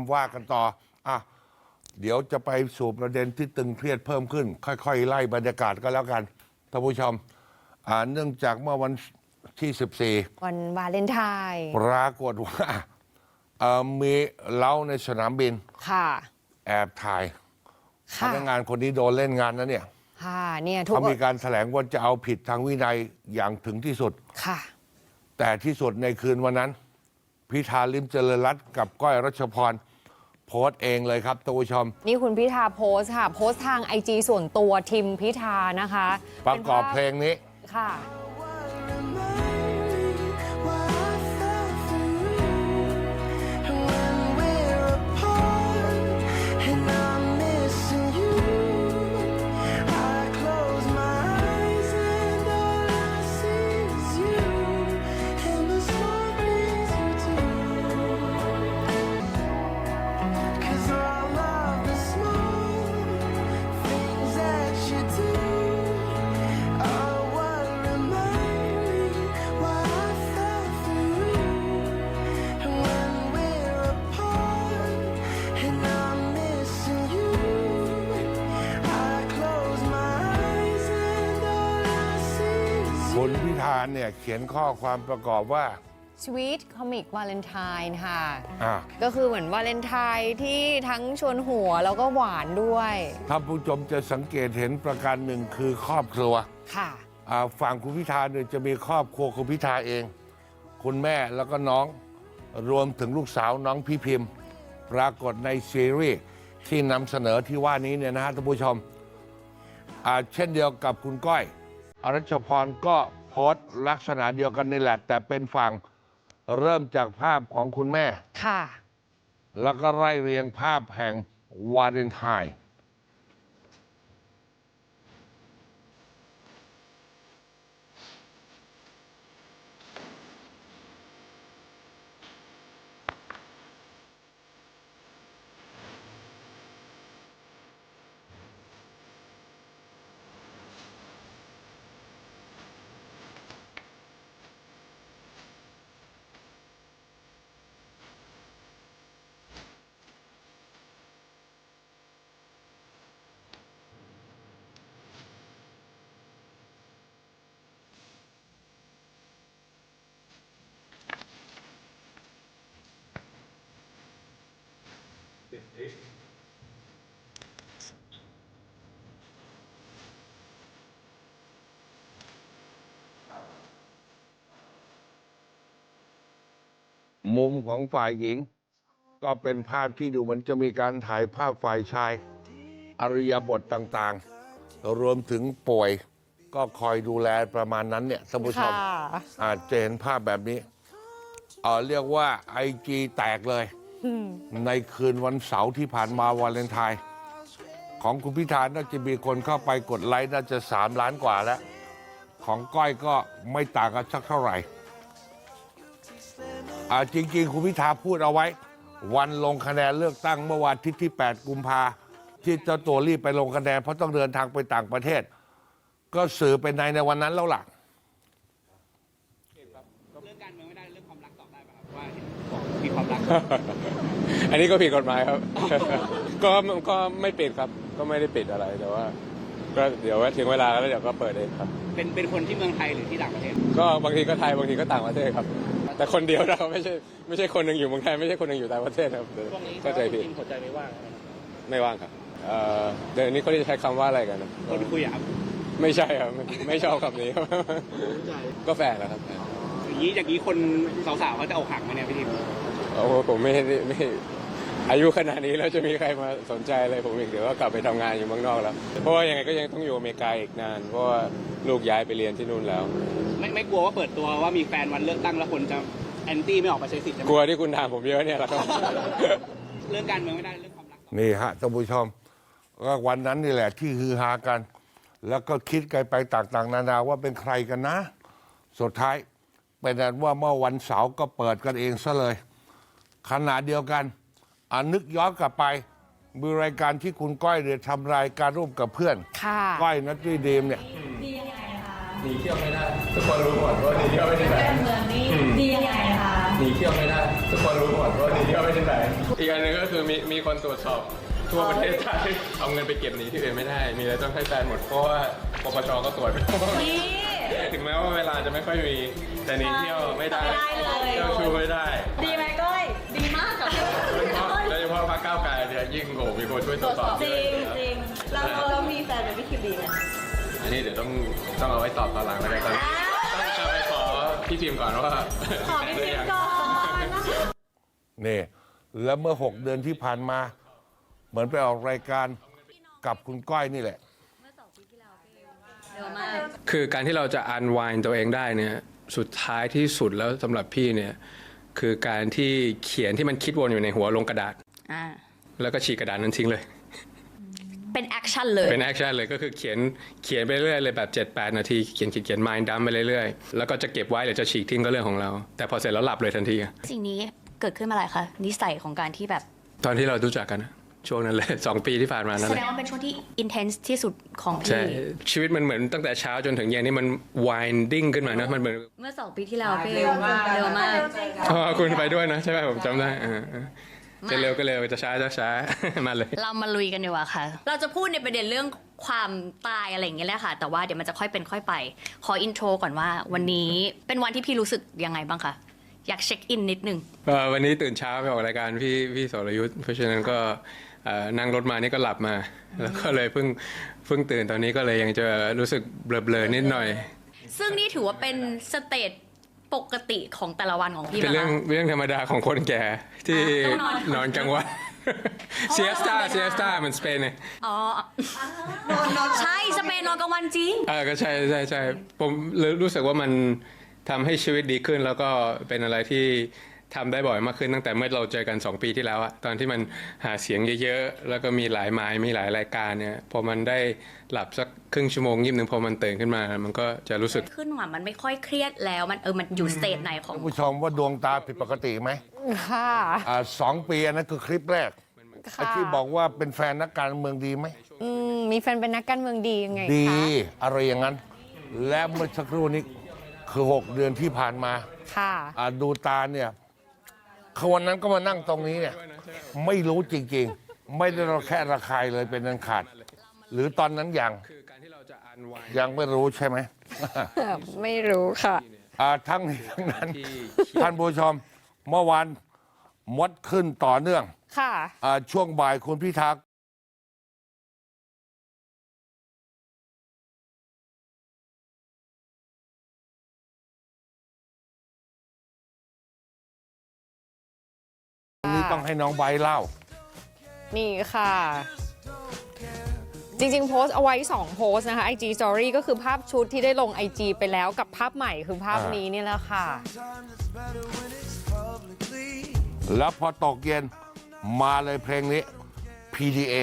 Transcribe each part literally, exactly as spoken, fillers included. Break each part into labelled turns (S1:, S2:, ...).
S1: ว่ากันต่ออ่ะเดี๋ยวจะไปสู่ประเด็นที่ตึงเครียดเพิ่มขึ้น ค่อยๆไล่บรรยากาศก็แล้วกันท่านผู้ชมอ่าเนื่องจากเมื่อวันที่สิบสี่
S2: วันวาเลนไทน์
S1: ปรากฏว่ามีเล้าในสนามบิน
S2: ค่ะ
S1: แอบถ่ายพนักงานคนนี้โดนเล่นงานนะเนี่ย
S2: ค่ะเนี่ยทุก
S1: เขามีการแถลงว่าจะเอาผิดทางวินัยอย่างถึงที่สุด
S2: ค่ะ
S1: แต่ที่สุดในคืนวันนั้นพิธาลิ้มเจริญรัตน์กับก้อยรัชพรโพสต์เองเลยครับท่านผู้ชม
S2: นี่คุณพิธาโพสต์ค่ะโพสต์ทางไอจีส่วนตัวทิมพิธานะคะ
S1: ประกอบเพลงนี้
S2: ค่ะ
S1: คุณพิธาเนี่ยเขียนข้อความประกอบว่า
S2: Sweet Comic Valentine ค่ะ
S1: อ่า
S2: ก็คือเหมือนวาเลนไทน์ที่ทั้งชวนหัวแล้วก็หวานด้วย
S1: ท่านผู้ชมจะสังเกตเห็นประการหนึ่งคือครอบครัว
S2: ค่ะ
S1: อ่าฝั่งคุณพิธาเนี่ยจะมีครอบครัวคุณพิธาเอง คุณแม่แล้วก็น้องรวมถึงลูกสาวน้องพี่พิมพ์ปรากฏในซีรีส์ที่นำเสนอที่ว่านี้เนี่ยนะฮะท่านผู้ชมอ่าเช่นเดียวกับคุณก้อยอรัชพรก็โพสต์ลักษณะเดียวกันนี่แหละแต่เป็นฝั่งเริ่มจากภาพของคุณแม่
S2: ค่ะ
S1: แล้วก็ไล่เรียงภาพแห่งวาเลนไทน์มุมของฝ่ายหญิงก็เป็นภาพที่ดูเหมือนจะมีการถ่ายภาพฝ่ายชายอริยบทต่างๆรวมถึงป่วยก็คอยดูแลประมาณนั้นเนี่ยท่านผู้ชมอาจจะเห็นภาพแบบนี้เออเรียกว่าไอจีแตกเลยในคืนวันเสาร์ที่ผ่านมาวาเลนไทน์ของคุณพิธาน่าจะมีคนเข้าไปกดไลค์น่าจะสามล้านกว่าแล้วของก้อยก็ไม่ต่างกันสักเท่าไหร่อ่าจริงๆคุณพิธาพูดเอาไว้วันลงคะแนนเลือกตั้งเมื่อวันอาทิตย์ที่แปดกุมภาที่เจ้าตัวรีบไปลงคะแนนเพราะต้องเดินทางไปต่างประเทศก็สื่อเป็นในในวันนั้นแล้วล่ะ
S3: เรื่องการเมืองไม่ได้เรื่องความรักตอบได้ป่ะครับว่ามีความรัก
S4: อันนี้ก็ผิดกฎหมายครับ ก็ก็ไม่ปิดครับก็ไม่ได้ปิดอะไรแต่ว่าก็เดี๋ยวถึงเวลาแล้วเดี๋ยวก็เปิดเองครับ
S3: เป็นเป็นคนที่เมืองไทยหรือที่ต่างประเทศ
S4: ก็บางทีก็ไทยบางทีก็ต่างประเทศครับแต่คนเดียวเราไม่ใช่ไม่ใช่คนหนึ่งอยู่เมืองไทยไม่ใช่คนหนึ่งอยู่ต่างประเทศครับ
S3: ช่วงนี้
S4: เข้าใจผิด
S3: หัวใจไม่ว่าง
S4: ไม่ว่างครับเอ่อเดี๋ยวนี้เขาจะใช้คำว่าอะไรกันนะ
S3: คนคุยอะครับ
S4: ไม่ใช่ครับไม่ชอบคำนี้ครับก็แฟนแล้วครับ
S3: อย่างนี้อย่างนี้คนสาวๆเขาจะเอาหักไหมเนี่ยพี่ทิม
S4: โอ้ผมไม่ไม่อายุขนาดนี้แล้วจะมีใครมาสนใจอะไรผมอีกเดี๋ยวก็กลับไปทำงานอยู่เมืองนอกแล้วเพราะว่ายังไงก็ยังต้องอยู่อเมริกาอีกนานเพราะว่าลูกย้ายไปเรียนที่นู่นแล้ว
S3: ไม่ไม่กลัวว่าเปิดตัวว่ามีแฟนวันเลือกตั้งแล้วคนจะแอนตี้ไม่ออกมาใช้สิทธิ์
S4: กลัวที่คุณถามผมเยอะเนี่ยแหละครับ
S3: เรื่องการเมืองไม่ได้เรื่องความรัก
S1: นี่ฮะท่านผู้ชมก็วันนั้นนี่แหละที่ฮือฮากันแล้วก็คิดกันไปต่างๆนานาว่าเป็นใครกันนะสุดท้ายเป็นนั้นว่าเมื่อวันเสาร์ก็เปิดกันเองซะเลยขณะเดียวกันอนึกย้อนกลับไปมีรายการที่คุณก้อยเนี่ยทำรายการร่วมกับเพื่อนก้อยนัทรีดีมเนี่ย
S5: ดียังไงคะ
S4: หนีเที่ยวไม่ได้ทุกคนรู้หมดว่าหนีเที่ยวไม่ได้ไหน
S5: การเมืองนี่ดียังไงคะ
S4: หนีเที่ยวไม่ได้ทุกคนรู้หมดว่าหนีเที่ยวไม่ได้ไหนอีกอันหนึงก็คือมีมีคนตรวจสอบทั่วประเทศไทยเอาเงินไปเก็บหนีที่อื่นไม่ได้ มีอะไรต้องให้แฟนหมดเพราะว่าปปชก็ตรวจถึงแม้ว่าเวลาจะไม่ค่อยมีแต่หนีเที่ยวไม่ได้เที่ยวชูไม่ได้
S5: ดีไหมก้อยดีมากกับพี่
S4: โดยเฉพาะพรรคก้าวไกลเนี่ยยิ่งโหมีคนช่วยตรวจสอบ
S5: จริงจริงเราเรามีแฟนเป็นพี่คิมดีไหม
S4: อันนี้เดี๋ยวต้องต้องเอาไว้ตอบตอนหลังแล้วกันตอนนี้ต้องจะไปขอพี่พิมพ์ก่อนว่า
S5: ขอพี่คิมก่อน
S1: นี่แล้วเมื่อหกเดือนที่ผ่านมา เหมือนไปออกรายการกับคุณก้อยนี่แหละ
S5: เร็วมาก
S4: คือการที่เราจะอันวายตัวเองได้เนี่ยสุดท้ายที่สุดแล้วสำหรับพี่เนี่ยคือการที่เขียนที่มันคิดวนอยู่ในหัวลงกระดาษ
S5: อ่า
S4: แล้วก็ฉีกกระดาษนั้นทิ้งเลย
S5: เป็นแอคชั่นเลย
S4: เป็นแอคชั่นเลยก็คือเขียนเขียนไปเรื่อยเลยแบบ เจ็ดแปด นาทีเขียนเขียนเขียน mind dump ไปเรื่อยๆแล้วก็จะเก็บไว้หรือจะฉีกทิ้งก็เรื่องของเรา แต่พอเสร็จแล้วหลับเลยทันที
S5: สิ่งนี้เกิดขึ้นมาอะไรคะนิสัยของการที่แบบ
S4: ตอนที่เรารู้จักกันนะช่วงนั้นเลย สองปีที่ผ่านมานั่น
S5: แส
S4: แห
S5: ด
S4: ละ
S5: งว่าเป็นช่วงที่อินเทนส์ที่สุดของ
S4: ใช่
S5: พี่
S4: ชีวิตมันเหมือนตั้งแต่เช้าจนถึงเย็นนี่มัน winding ขึ้นมานะมันเหมือน
S5: เมื่อสองปีที่แล้วพี่เร็วมากเร็วมาก
S4: อ๋อคุณไปด้วยนะใช่ไหมผมจำได้อ่าๆจะเร็วก็เร็วจะช้าจะช้า มาเลย
S5: เรามาลุยกันดีกว่าค่ะ เราจะพูดในประเด็นเรื่องความตายอะไรอย่างเงี้ยแหละค่ะ แต่ว่าเดี๋ยวมันจะค่อยเป็นค่อยไป ขออินโทรก่อนว่าวันนี้เป็นวันที่พี่รู้สึกยังไงบ้างคะ อยากเช็คอินนิดนึง
S4: เอ่อวันนี้ตื่นเช้าไปออกรายการพี่พี่สรยุทธ์เพราะฉะนั้นก็เอ่อนั่งรถมานี่ก็หลับมา แล้วก็เลยเพิ่งเพิ่งตื่นตอนนี้ก็เลยยังจะรู้สึกเบลอๆนิดหน่อย
S5: ซึ่งนี่ถือว่าเป็นสเตจปกติของแต่ละวันของพี่ไหม
S4: เป็นเรื่อง
S5: คะ
S4: เรื่องธรรมดาของคนแก่ที่
S5: ต้องนอน
S4: นอนกลางวันเซียสตาเซียสตามันสเปนเนี่ย
S5: อ๋อใช่สเปนนอนกลางวันจริง
S4: เออก็ใช่ใช่ใช่ผมรู้สึกว่ามันทำให้ชีวิตดีขึ้น แล้วก็เป็นอะไรที่ทำได้บ่อยมากขึ้นตั้งแต่เมื่อเราเจอกันสองปีที่แล้วอะตอนที่มันหาเสียงเยอะๆแล้วก็มีหลายไม้มีหลายรายการเนี่ยพอมันได้หลับสักครึ่งชั่วโมงยิบหนึ่งพอมันตื่นขึ้นมา มันก็จะรู้สึก
S5: ขึ้นว่ามันไม่ค่อยเครียดแล้วมันเออมันอยู่สเตจไหนของ
S1: ท่านผู้ชมว่าดวงตาผิดปกติไหม
S2: ค่ะ
S1: อ่าสองปีอันนั้นคือคลิปแรกไอ้
S2: ค่ะ
S1: ที่บอกว่าเป็นแฟนนักการเมืองดีไหม
S2: อืมมีแฟนเป็นนักการเมืองดียังไง
S1: ดี
S2: คะ
S1: อะไรอย่างนั้น และเมื่อสักครู่นี้คือหกเดือนที่ผ่านมา
S2: ค่ะ
S1: อ่าดูตาเนี่ยคือวันนั้นก็มานั่งตรงนี้เนี่ยไม่รู้จริงๆ ไม่ได้เราแค่ระคายเลยเป็นอันขาด หรือตอนนั้นยัง
S4: คือการที่เราจะอันวาย
S1: ยังไม่รู้ใช่ไหม
S2: ไม่รู้ค่ะ
S1: อ่าทั้งนี้ทั้งนั้น ท่านผู้ชมเมื่อวานมดขึ้นต่อเนื่อง
S2: ค่ะ
S1: อ่าช่วงบ่ายคุณพิธาวันนี้ต้องให้น้องใบเล่า
S2: นี่ค่ะ จริงๆ โพสต์เอาไว้สองโพสต์นะคะ ไอ จี Story ก็คือภาพชุดที่ได้ลง ไอ จี ไปแล้วกับภาพใหม่คือภาพนี้นี่แหละค่ะ
S1: แล้วพอตกเย็นมาเลยเพลงนี้ พี ดี เอ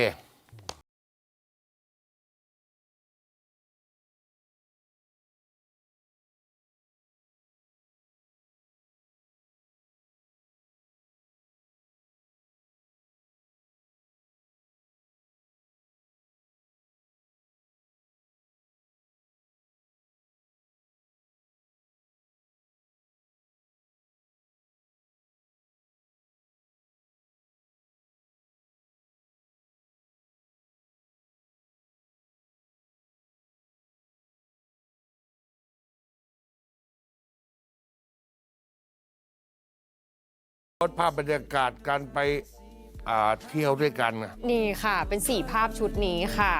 S1: รถภาพบรรยากาศการไปอ่าเที่ยวด้วยกันน่ะ
S2: นี่ค่ะ เป็นสี่ภาพชุดนี้ค่ะ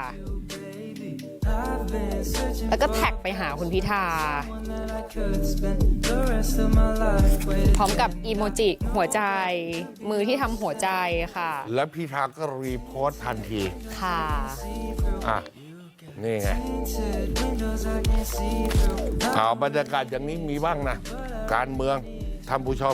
S2: แล้วก็แท็กไปหาคุณพิธา พร้อมกับอีโมจิหัวใจ มือที่ทำหัวใจค่ะ
S1: แล้วพิธาก็รีโพสต์ทันที
S2: ค่ะ
S1: อ่ะ นี่ไงเอาบรรยากาศอย่างนี้มีบ้างนะ การเมืองท่านผู้ชม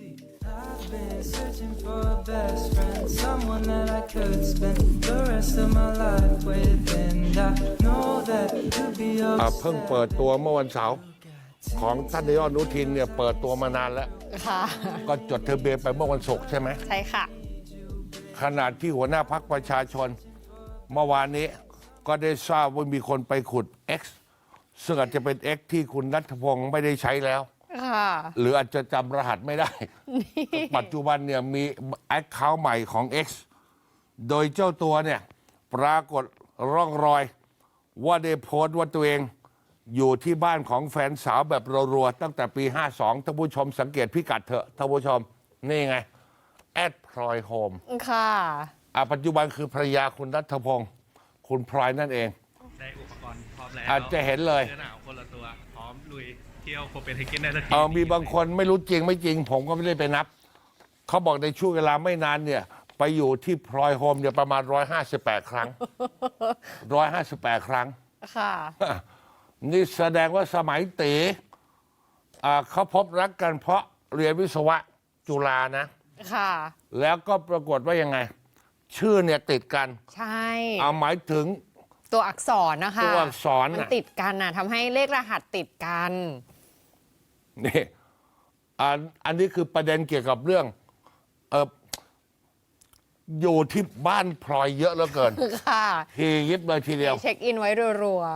S1: อ่ะเพิ่งเปิดตัวเมื่อวันเสาร์ของท่านนายกอนุทินเนี่ยเปิดตัวมานานแล้ว
S2: ค่ะ
S1: ก็จดทะเบียนไปเมื่อวันศุกร์ใช่ไหม
S2: ใช่ค่ะ
S1: ขณะที่หัวหน้าพักประชาชน เมื่อวานนี้ก็ได้ทราบว่ามีคนไปขุด X ซึ่งอาจจะเป็น X ที่คุณนัทพงศ์ไม่ได้ใช้แล้ว
S2: ค่ะ
S1: หรืออาจจะจำรหัสไม่ได้ ปัจจุบันเนี่ยมีแอคเคาท์ใหม่ของ X โดยเจ้าตัวเนี่ยปรากฏร่องรอยว่าได้โพสต์ว่าตัวเองอยู่ที่บ้านของแฟนสาวแบบรัวๆตั้งแต่ปี ห้าสองท่านผู้ชมสังเกตพิกัดเถอะท่านผู้ชม นี่ไง แอดพลอยโฮม
S2: ค่ะ
S1: อ่ะปัจจุบันคือภรรยาคุณนัทพงศ์คุณพลอยนั่นเอง
S6: ได้อุปกรณ์พร้อมแล้ว
S1: อาจจะเห็นเลย
S6: เสื้อหนาวคนละตัว พร้อมลุยเที่ยวโคเปนเฮเกนได้ทันที
S1: เออมีบางคนไม่รู้จริงไม่จริง ผมก็ไม่ได้ไปนับ เขาบอกในช่วงเวลาไม่นานเนี่ย ไปอยู่ที่พลอยโฮมเนี่ยประมาณ หนึ่งร้อยห้าสิบแปด ครั้ง หนึ่งร้อยห้าสิบแปด ครั้ง
S2: ค่ะ
S1: นี่แสดงว่าสมัยตีอ่าเขาพบรักกันเพราะเรียนวิศวะจุฬานะ
S2: ค่ะ
S1: แล้วก็ปรากฏว่ายังไง ชื่อเนี่ยติดกัน
S2: ใช่
S1: เอาหมายถึง
S2: ตัวอักษรนะคะ
S1: ตัวอักษร
S2: มัน
S1: น่ะ
S2: ติดกันน่ะทำให้เลขรหัสติดกัน
S1: นี่อันอันนี้คือประเด็นเกี่ยวกับเรื่องเอออยู่ที่บ้านพลอยเยอะเหลือเกิน
S2: ค่ะ
S1: ทียิบเลยทีเดียว
S2: เช็คอินไว้รัวน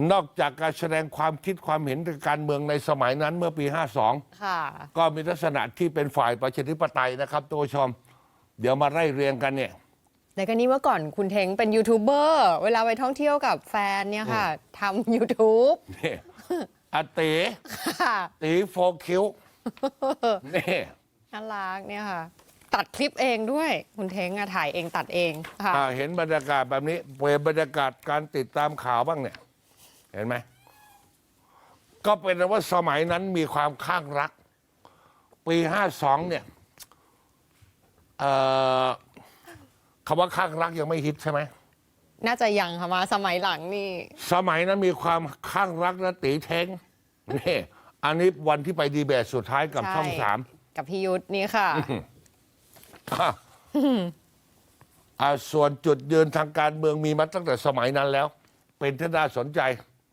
S1: อกจากการแสดงความคิดความเห็นทางการเมืองในสมัยนั้นเมื่อปี ห้าสอง
S2: ๆค่ะ
S1: ก็มีลักษณะที่เป็นฝ่ายประชาธิปไตยนะครับตัวชม เดี๋ยวมาไล่เรียงกันเนี่ย
S2: แต่ก็นี่เมื่อก่อนคุณเท้งเป็นยูทูบเบอร์เวลาไปท่องเที่ยวกับแฟนเนี่ยค่ะทำ YouTube
S1: นี่อาเต๋
S2: ค่ะ
S1: ตีโฟคิวนี่
S2: น่ารักเนี่ยค่ะ ตัดคลิปเองด้วย คุณเท้งอะถ่ายเองตัดเองค่ะ
S1: อ่าเห็นบรรยากาศแบบนี้เปลี่ยนบรรยากาศการติดตามข่าวบ้างเนี่ย เห็นไหม ก็เป็นว่าสมัยนั้นมีความข้างรัก ปีห้าสองเนี่ยเอ่อคำว่าข้างรักยังไม่ฮิตใช่ไหม
S2: น่าจะยังค่ะมาสมัยหลังนี่
S1: สมัยนั้นมีความข้างรักนะตีเท้งนี่อันนี้วันที่ไปดีเบตสุดท้ายกับ
S2: ใช่
S1: ช่องสาม
S2: กับพี่ยุทธนี่ค่ะ
S1: อ่ะอ่ะส่วนจุดยืนทางการเมืองมีมาตั้งแต่สมัยนั้นแล้ว เป็นที่น่าสนใจ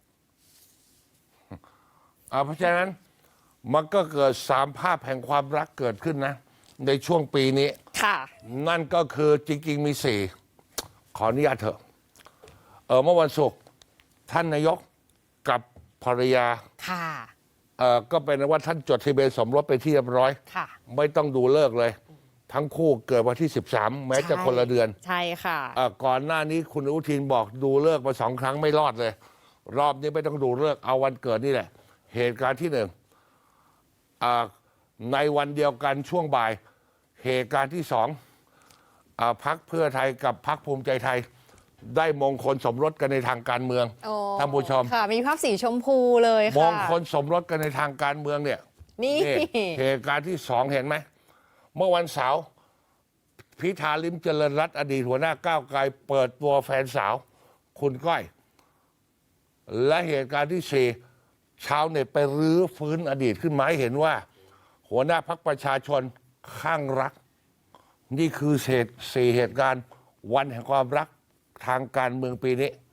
S1: อ่ะเพราะฉะนั้นมันก็เกิดสามภาพแห่งความรักเกิดขึ้นนะ ในช่วงปีนี้
S2: ค่ะ
S1: นั่นก็คือจริงๆมีสี่ขออนุญาตเถอะเออเมื่อวันศุกร์ท่านนายกกับภรรยา
S2: ค่ะ
S1: เออก็เป็นว่าท่านจดทะเบียนสมรสไปที่เรียบร้อย
S2: ค่ะ
S1: ไม่ต้องดูเลิกษ์เลย ทั้งคู่เกิดวันที่สิบสามแม้จะคนละเดือน
S2: ใช่ค่ะ
S1: เอ่อก่อนหน้านี้คุณอนุทินบอกดูเลิกษ์มาสองครั้งไม่รอดเลย รอบนี้ไม่ต้องดูเลิกษ์เอาวันเกิดนี่แหละ เหตุการณ์ที่หนึ่งอ่าในวันเดียวกันช่วงบ่าย เหตุการณ์ที่สองอ่าพักเพื่อไทยกับพักภูมิใจไทย ได้มงคลสมรสกันในทางการเมือง
S2: โอ้
S1: ท่านผู้ชม
S2: ค่ะ มีภาพสีชมพูเลย
S1: ม
S2: ค่ะ
S1: งคลสมรสกันในทางการเมืองเนี่ย
S2: นี่
S1: นี่เหตุการณ์ที่สองเห็นไหม เมื่อวันเสาร์พิธาลิมเจริญรัตน์อดีตหัวหน้าก้าวไกลเปิดตัวแฟนสาว คุณก้อย และเหตุการณ์ที่สี่ชาวเน็ตไปรื้อฟื้นอดีตขึ้นมาให้เห็นว่า หัวหน้าพรรคประชาชนข้างรัก นี่คือเศษสี่เหตุการณ์ วันแห่งความรักทางการเมืองปีนี้